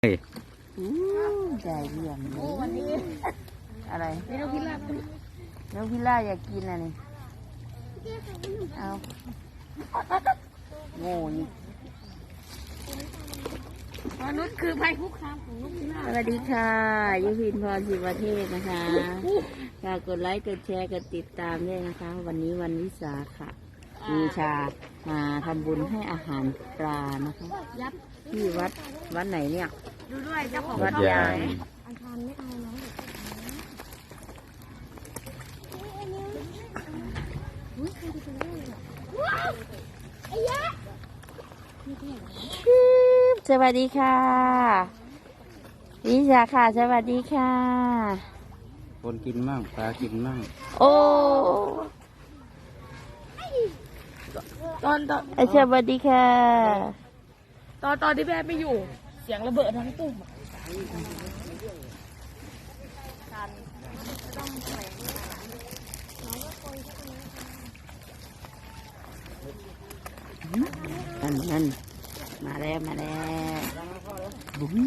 เฮ้ยใจเยี่ยมเลยอะไรนกพิราบนกพิราบอยากกินอะไรเอาโง่นี่มนุษย์คือภัยคุกคามของนกพิราบสวัสดีค่ะยุพินพรศิวเทพนะคะฝากกดไลค์กดแชร์กดติดตามด้วยนะคะวันนี้วันวิสาขบูชามาทำบุญให้อาหารปลานะคะที่วัดไหนเนี่ยดูด้วยเจ้าของวัดยายอาจารย์ไม่เอาแล้วสวัสดีค่ะวิชาค่ะสวัสดีค่ะคนกินมั่งปลากินมั่งโอ้ตอนสวัสดีค่ะตอนที่แม่ไม่อยู่เสียงระเบิดทั้งตู้นั่นมาแล้วบุ้ง